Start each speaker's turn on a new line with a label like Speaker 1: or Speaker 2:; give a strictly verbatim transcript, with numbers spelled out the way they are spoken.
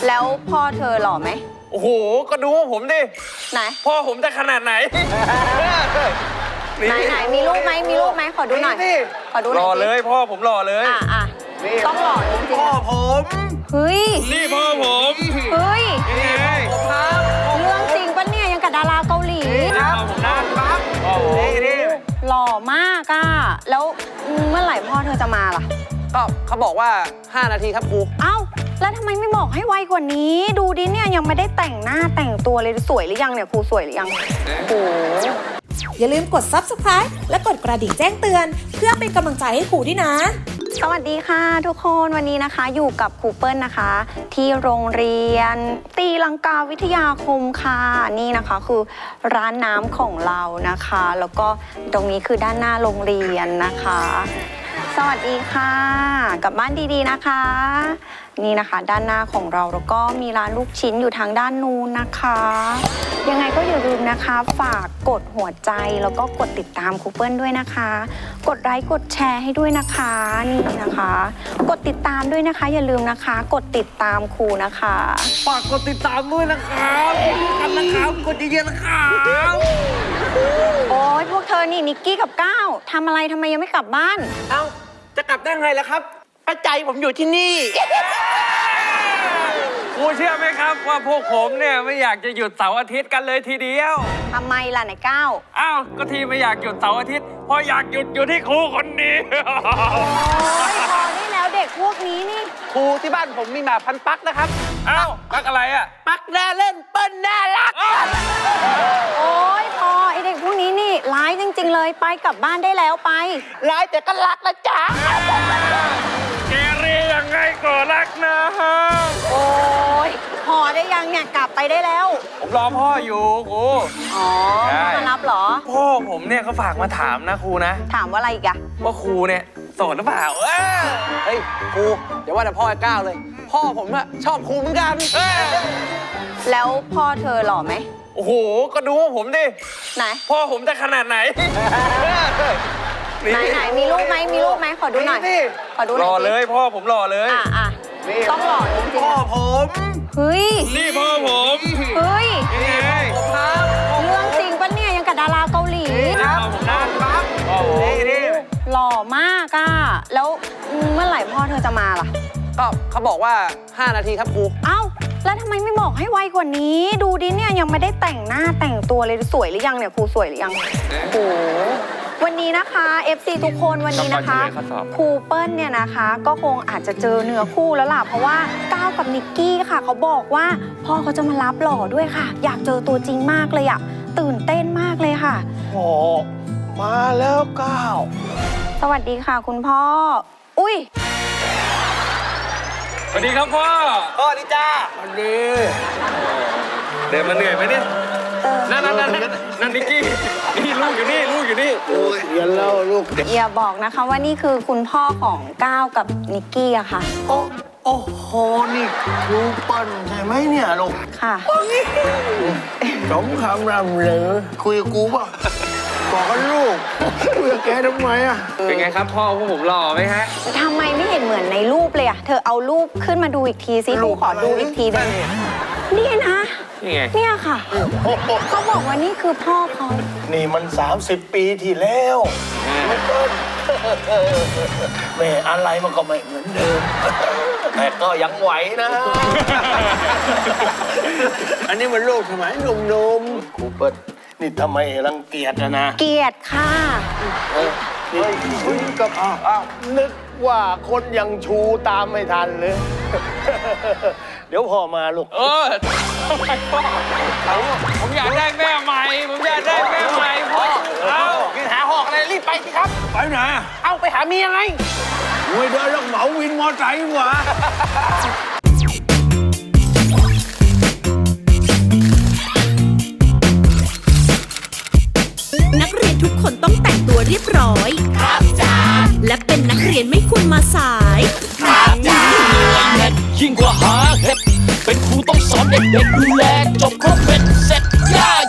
Speaker 1: แล้วพ่อเธอหล่อไหม
Speaker 2: โอ้โหก็ดูผมดิ
Speaker 1: ไหน
Speaker 2: พ่อผมจะขนาดไหน
Speaker 1: ไหนไหนมีรูปไหมมีรูปไหมขอดูหน่อยขอดูหน่อยห
Speaker 2: ล่อเลยพ่อผมหล่อเลย
Speaker 1: อ่ะอ่ะต้องหล่อจริงๆ
Speaker 2: พ่อผม
Speaker 1: เฮ้ย
Speaker 2: นี่พ่อผม
Speaker 1: เฮ้ย
Speaker 2: นี่ไงครับ
Speaker 1: เรื่องจริงปะเนี่ยยังกับดาราเกาหลี
Speaker 2: ครับผมนะครับโอ้โหนี่
Speaker 1: หล่อมากอ่ะแล้วเมื่อไหร่พ่อเธอจะมาล่ะ
Speaker 3: ก็เขาบอกว่าห้านาทีครับครู
Speaker 1: เอ้าแล้วทำไมไม่บอกให้ไวกว่านี้ดูดิเนี่ยยังไม่ได้แต่งหน้าแต่งตัวเลยสวยหรือยังเนี่ยครูสวยหรือยังโอ้
Speaker 4: อย่าลืมกด ซับสไครบ์ และกดกระดิ่งแจ้งเตือนเพื่อเป็นกำลังใจให้ครูด้วยนะ
Speaker 1: สวัสดีค่ะทุกคนวันนี้นะคะอยู่กับครูเปิ้ลนะคะที่โรงเรียนตีลังกาวิทยาคมค่ะนี่นะคะคือร้านน้ำของเรานะคะแล้วก็ตรงนี้คือด้านหน้าโรงเรียนนะคะสวัสดีค่ะกลับบ้านดีๆนะคะนี่นะคะด้านหน้าของเราแล้วก็มีร้านลูกชิ้นอยู่ทางด้านนู้นนะคะยังไงก็อย่าลืมนะคะฝากกดหัวใจแล้วก็กดติดตามครูเปิ้ลด้วยนะคะกดไลค์กดแชร์ให้ด้วยนะคะนี่นะคะกดติดตามด้วยนะคะอย่าลืมนะคะกดติดตามครูนะคะ
Speaker 2: ฝากกดติดตามด้วยนะครับกันนะครับกดเยอะๆนะครับ
Speaker 1: โอ้ยพวกเธอนี่นิกกี้กับก้าวทำอะไรทำไมยังไม่กลับบ้าน
Speaker 3: เอ้าจะกลับได้ไงล่ะครับป้าใจผมอยู่ที่นี่
Speaker 2: ครูเชื่อไหมครับว่าพวกผมเนี่ยไม่อยากจะหยุดเสาร์อาทิตย์กันเลยทีเดียว
Speaker 1: ทำไมล่ะไหนก้าว
Speaker 2: อ้าวก็ทีไม่อยากหยุดเสาร์อาทิตย์เพราะอยากหยุดอยู่ที่ครูคนนี้
Speaker 1: โอ้ยพอได้แล้วเด็กพวกนี้นี่
Speaker 3: ครูที่บ้านผมมีหมาพันปักนะครับ
Speaker 2: อ้าวปักอะไรอะ
Speaker 3: ปักแน่เล่นเปิ้ลน่ารัก
Speaker 1: โอ้ยพอไอเด็กพวกนี้นี่ร้ายจริงๆเลยไปกลับบ้านได้แล้วไป
Speaker 3: ร้ายแต่ก็รักนะจ๊ะ
Speaker 2: เกเรยังไงก็รักนะฮะ
Speaker 1: โอ้ยพอได้ยังเนี่ยกลับไปได้แล้ว
Speaker 2: ผมรอพ่ออยู่ครู
Speaker 1: อ๋อพ่อมารับเหรอ
Speaker 2: พ่อผมเนี่ยเขาฝากมาถามนะครูนะ
Speaker 1: ถามว่าอะไรอีกอะ
Speaker 2: ว่าครูเนี่ยโสดหรือเปล่า
Speaker 3: เฮ้ยครูเดี๋ยวว่าแต่พ่อไอ้ก้าวเลยพ่อผมอะชอบครูเหมือนกัน
Speaker 1: แล้วพ่อเธอหล่อไหม
Speaker 2: โอ้โหก็ดูผมดิ
Speaker 1: ไหน
Speaker 2: พ่อผมจะขนาดไหน
Speaker 1: ไหนไหนมีรูปไหมมีรูปไหมขอดูหน่อยขอดูหน่อย
Speaker 2: หล่อเลยพ่อผมหล่อเลย
Speaker 1: อ่ะอ่ะต้องหล่อจริงๆ
Speaker 2: พ่อผม
Speaker 1: เฮ้ย
Speaker 2: นี่พ่อผม
Speaker 1: เฮ้ย
Speaker 2: นี่ไง
Speaker 1: ครับเรื่องจริงปะเนี่ยยังกับดาราเกาหลี
Speaker 2: ครับผมนะครับโอ้โหนี่
Speaker 1: หล่อมากอ่ะแล้วเมื่อไหร่พ่อเธอจะมาล่ะ
Speaker 3: ก็เขาบอกว่าห้านาทีครับครู
Speaker 1: เอ้าแล้วทำไมไม่บอกให้ไวกว่านี้ดูดิเนี่ยยังไม่ได้แต่งหน้าแต่งตัวเลยสวยหรือยังเนี่ยครูสวยหรือยังโอ้วันนี้นะคะ เอฟ ซี ทุกคนวันนี้นะคะครูเปิ้ลเนี่ยนะคะก็คงอาจจะเจอเนื้อคู่แล้วล่ะเพราะว่าก้าวกับนิกกี้ค่ะเขาบอกว่าพ่อเขาจะมารับหล่อด้วยค่ะอยากเจอตัวจริงมากเลยอะตื่นเต้นมากเลยค่ะ
Speaker 2: โอ้มาแล้วก้าว
Speaker 1: สวัสดีค่ะคุณพ่ออุ้ย
Speaker 2: สวัสดีครับพ่อ
Speaker 3: พ่อดีจ้า
Speaker 2: สวัสดีเดินมาเหนื่อยไหมเนี่ยนั่นนั่นนั่นนั่นนิกกี้นี่ลูกอยู่นี่ลูกอยู่นี่
Speaker 5: โอ้ยเดี๋ยวเล่าลูก
Speaker 1: อย่าบอกนะคะว่านี่คือคุณพ่อของก้าวกับนิกกี้อะค่ะ
Speaker 5: โอ้โอ้โหนี่ครูเปิ้ลใช่ไหมเนี่ยลูก
Speaker 1: ค่ะ
Speaker 5: สมคำรำเหลือคุยกับกูป่ะบอกกันลูกคุยกับแกทำไมอะ
Speaker 2: เป็นไงครับพ่อพวกผมหล่อไหมฮะ
Speaker 1: ทำไมไม่เห็นเหมือนในรูปเลยอะเธอเอารูปขึ้นมาดูอีกทีสิลูกขอดูอีกทีได้นี่นะ
Speaker 2: นี่ไง
Speaker 1: เนี่ยค่ะเขาบอกว่านี่คือพ่อเขา
Speaker 5: นี่มันสามสิบปีที่แล้วแม่อะไรมันก็ไม่เหมือนเดิมแต่ก็ยังไหวนะอันนี้มันลูกสมัยหนุ่มๆครูเปิ้ลนี่ทำไมรังเกียจนะนะ
Speaker 1: เกียจค่ะ
Speaker 5: เฮ้ยคุยกับอ้าวนึกว่าคนยังชูตามไม่ทันเลยเดี๋ยวพ่อมาลูก
Speaker 2: เออทำไมพ่อผมอยากได้แม่ใหม่ผมอยากได้แม่ใหม่พ่อเอา
Speaker 3: กินหาหอกอะไรรีบไปสิครับ
Speaker 5: ไปไหน
Speaker 3: เอาไปหาเมียไง
Speaker 5: โอ้ยเดินแล้วเหมาวินมอไซค์หว่า
Speaker 4: นักเรียนทุกคนต้องแต่งตัวเรียบร้อยครับจ้าและเป็นนักเรียนไม่ควรมาสาย
Speaker 6: ครับจ้ายิ่งกว่าหาเห็ดเป็นครูต้องสอนเด็กๆดูแลจบครบเป็นเสร็จย่า